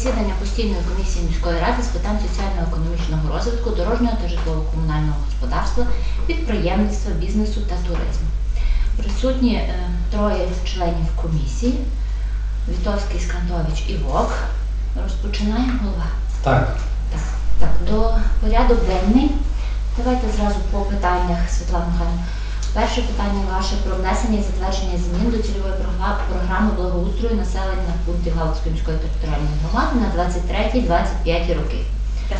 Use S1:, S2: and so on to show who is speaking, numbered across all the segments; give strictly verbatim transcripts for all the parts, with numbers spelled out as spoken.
S1: засідання постійної комісії міської ради з питань соціально-економічного розвитку, дорожнього та житлово-комунального господарства, підприємництва, бізнесу та туризму. Присутні е, троє членів комісії. Вітовський, Скандович і Вовк. Розпочинаємо, голова?
S2: Так.
S1: Так. Так, до порядок денний. Давайте зразу по питаннях, Світлана Михайлівна. Перше питання ваше про внесення і затвердження змін до цільової програми благоустрою населення пунктів Галицької міської територіальної громади на двадцять третій - двадцять п'ятий роки.
S3: Так.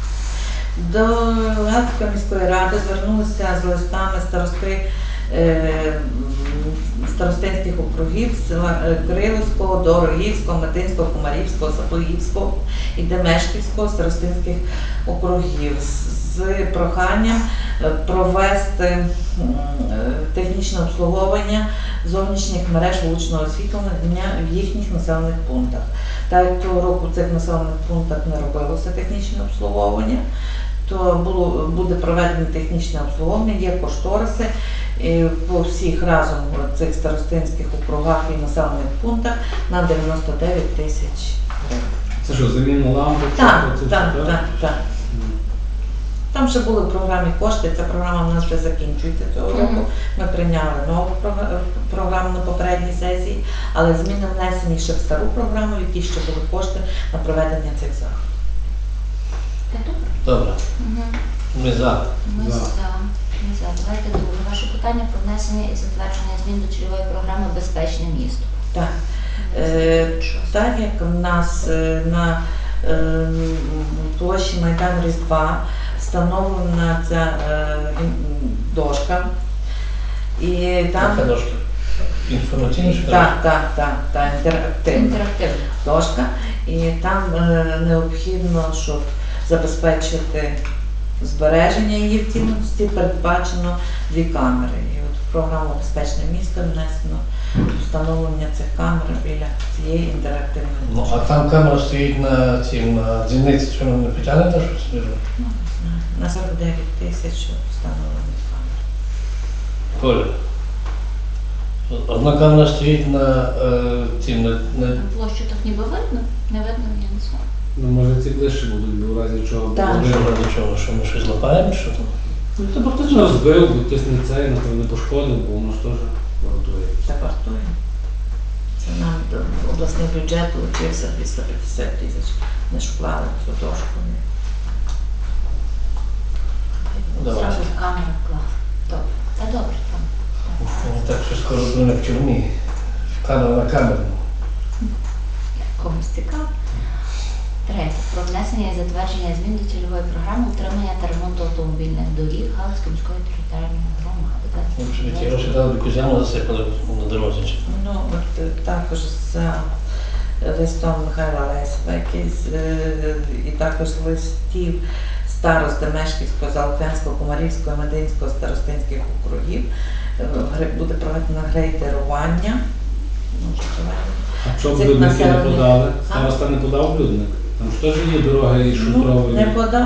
S3: До Галицької міської ради звернулися з листами старости е, старостинських округів села Кирилівського, Дорогівського, Метинського, Комарівського, Сапогівського і Демешківського старостинських округів з проханням провести технічне обслуговування зовнішніх мереж вуличного освітлення в їхніх населених пунктах. Так як того року в цих населених пунктах не робилося технічне обслуговування, то було, буде проведено технічне обслуговування, є кошториси і по всіх разом цих старостинських округах і населених пунктах на дев'яносто дев'ять тисяч гривень.
S2: Це що, заміна лампи?
S3: Так, так, так, так. Там ще були в програмі кошти, ця програма в нас вже закінчується цього року. Ми прийняли нову програму на попередній сесії, але зміни внесені ще в стару програму, в якій ще були кошти на проведення цих заходів.
S4: Добре.
S1: Угу.
S4: Ми за.
S1: Ми
S2: За.
S1: за. Ми за. Давайте друге. Ваше питання про внесення і затвердження змін до цільової програми «Безпечне місто».
S3: Так. Е, так як в нас е, на е, площі Майдану Різдва встановлена ця е, дошка, і там...
S4: Яка дошка? Інформаційна чи
S3: Так, так, так, так, інтерактивна.
S1: Інтерактивна.
S3: Дошка, і там е, необхідно, щоб забезпечити збереження її в цілості, передбачено дві камери. І от в програму «Безпечне місто» внесено встановлення цих камер біля цієї інтерактивної
S4: Ну,
S3: дошки.
S4: а там камера стоїть на цім, на дзвіниці, що вона не потягне, та щось?
S3: Ну, не знаю, на сорок дев'ять тисяч встановлені камери.
S4: Коля. Одна камера стоїть на е, цім, на, на...
S1: На площу так ніби видно? Не видно, я не знаю.
S2: Ну, може ці ближче будуть, бо в разі чого.
S3: Так.
S2: буде-
S4: Що до чого, що ми щось лапаємо, що там?
S2: Ну, то хтось розбив, бо хтось не цей, напевно, пошкодив, бо воно ж теж вартує.
S3: Так вартує. Це нам до обласний бюджет получився двісті п'ятдесят тисяч. Ми ж вклали в цю дошку.
S4: Давай.
S1: Зразу в камеру клав. Добре. Це добре. Там.
S4: Мені так, що скоро будемо в тюрмі. Камера на камеру.
S1: Комусь цікаво. Третє. Про внесення і затвердження змін до цільової програми утримання та ремонту автомобільних доріг Галицької міської територіальної громади.
S4: Якщо ті гроші дали, б якусь яму засипали на дорозі. чи?
S3: Ну, от е, також за листом Михайла Лесова, який з, е, і також листів старост Демешківського, Залквенського, Комарівського, Мединського, старостинських округів е, гре- буде проведено грейдерування. Може, проведено.
S2: А що
S3: Цих
S2: блюдники не
S3: населених-
S2: подали?
S3: А?
S2: Староста не подав блюдник? Там ж теж є дороги і
S3: Ну,
S2: шутрові.
S3: не подав.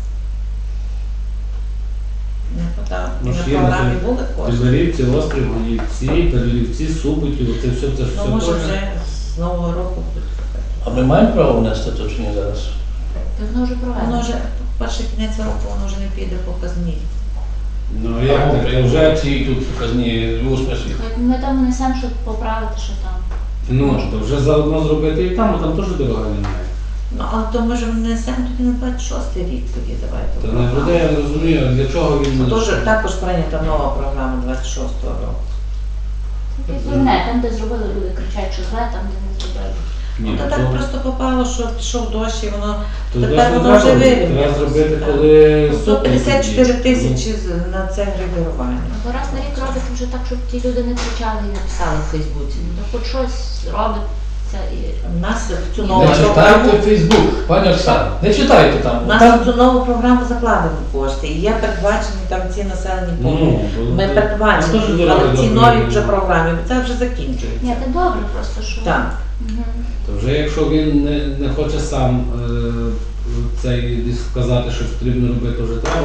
S3: Не подав. І
S2: Ну,
S3: на
S2: ж є на
S3: програмі
S2: те-
S3: були кошти.
S2: Підберівці, Острів, Голівці, Підберівці, Суботів, оце все, це ж
S3: Ну,
S2: все
S3: може
S2: теж.
S3: вже з нового року буде.
S4: А ми маємо право внести то чи ні зараз?
S1: Так воно вже проведено.
S3: Воно вже перший кінець року, воно вже не піде по казні.
S2: Ну як
S4: А,
S2: так?
S4: вже
S2: Вже
S4: ці тут показні у смислі.
S1: Хоч Ми там внесемо, щоб поправити, що там.
S2: ну, то вже заодно зробити і там, а там теж дороги немає.
S3: Ну, а то ми ж внесемо тоді на двадцять шостий рік тоді, давайте.
S2: Та не буде, я не розумію, а для чого він не
S3: Тож також прийнята нова програма двадцять шостого року.
S1: Не, там, де зробили, люди кричать, що зле, там, де не зробили.
S2: Ні,
S3: Ну, то
S2: то-
S3: так просто попало, що пішов дощ і воно
S2: то
S3: тепер
S2: десь не
S3: воно вже
S2: треба,
S3: вирівнялося.
S2: треба зробити,
S3: Так.
S2: коли
S3: сто
S2: супер
S3: п'ятдесят чотири
S2: тоді.
S3: тисячі з- на це грейдерування.
S1: Бо раз на рік робить вже так, щоб ті люди не кричали і не писали в Фейсбуці. Ну, то хоч щось робиться і...
S3: У нас в цю нову
S4: Не
S3: програму,
S4: читайте Фейсбук, пані Оксана, не читайте там.
S3: у нас
S4: Там
S3: в цю нову програму закладені кошти. І є передбачені там ці населені пункти.
S2: Ну, бо-
S3: Ми
S2: Ну,
S3: передбачені,
S2: теж дороги
S3: але в цій
S2: добрі.
S3: новій вже програмі, бо це вже закінчується.
S1: Ні, це добре просто, що...
S3: Так.
S1: Мгм.
S2: То вже якщо він не, не хоче сам е, цей десь сказати, що потрібно робити, вже треба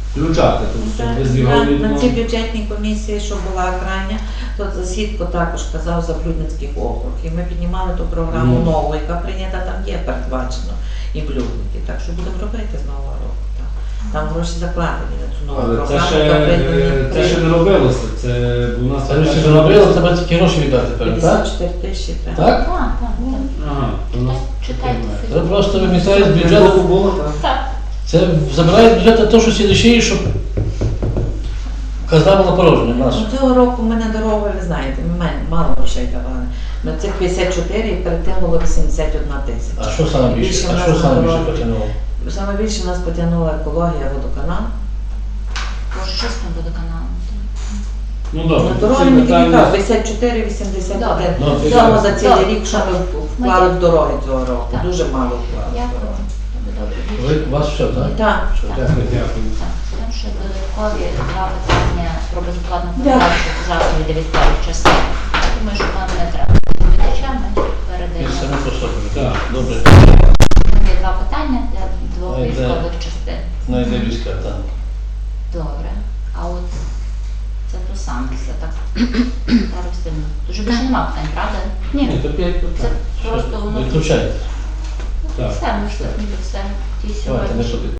S2: включати, тому що
S3: Так,
S2: без його
S3: так,
S2: відомо.
S3: на цій бюджетній комісії, що була крайня, то Засідко також казав за Блюдницький округ. І ми піднімали ту програму
S2: Ну.
S3: нову, яка прийнята, там є передбачено і Блюдники. Так що будемо робити з нового року. Так. Там гроші закладені на цю нову
S2: Але
S3: програму.
S2: це ще,
S3: яка
S2: е,
S3: прийнята-
S2: це ще не робилося. Це у нас
S4: Це ви ще зробили, треба тільки гроші віддати тепер, так?
S3: п'ятдесят чотири тисячі треба.
S4: Так?
S1: Так, так, так.
S2: Ага, то у нас
S1: Читайте.
S4: Це просто вимітають з
S2: бюджету
S4: бюджету.
S2: було, так.
S1: Так.
S4: Це забирає з бюджету те, що сідачі, щоб казали на порожнє
S3: Ну,
S4: нашу.
S3: цього року ми на дорогу, ви знаєте, ми мен- мало грошей давали. На цих п'ятдесят чотири і перед тим було вісімдесят одна тисяча.
S4: А що саме більше?
S3: Більше
S4: А
S3: в нас
S4: що саме
S3: на
S4: більше
S3: дорозі.
S4: потягнуло?
S3: Саме більше нас потягнула екологія, водоканал.
S1: Боже, що з тим водоканалом?
S2: Ну добре,
S3: На
S2: ці
S3: дороги ми тільки
S2: питання-
S3: так, п'ятдесят чотири вісімдесят один.
S4: Ну,
S3: Всього за цілий
S1: добре.
S3: рік, що ми вклали в дороги цього року.
S1: Так.
S3: Дуже мало вклали в
S1: Дякую.
S3: дороги.
S1: Добре.
S4: Ви, у вас все, так?
S3: Так.
S4: Все, дякую.
S2: Дякую.
S1: Так, там ще додаткові два питання про безоплатну
S3: Да.
S1: передачу засобів для військових частин. Я думаю, що нам не треба доповідача, ми
S4: І
S1: передаємо.
S4: самі по собі.
S2: Так.
S4: Добре.
S1: Є два питання для двох
S4: Найде.
S1: військових частин.
S4: Найде війська, так.
S1: Добре. А от це то саме все так. Зараз з тим. Дуже більше нема питань, правда?
S2: Ні, то п'ять
S1: Це
S2: питань.
S1: просто воно
S4: Відключайте.
S2: Так.
S1: все, ми ж так ніби все. Ті
S4: Давайте, не
S1: сьогодні.
S4: сюди.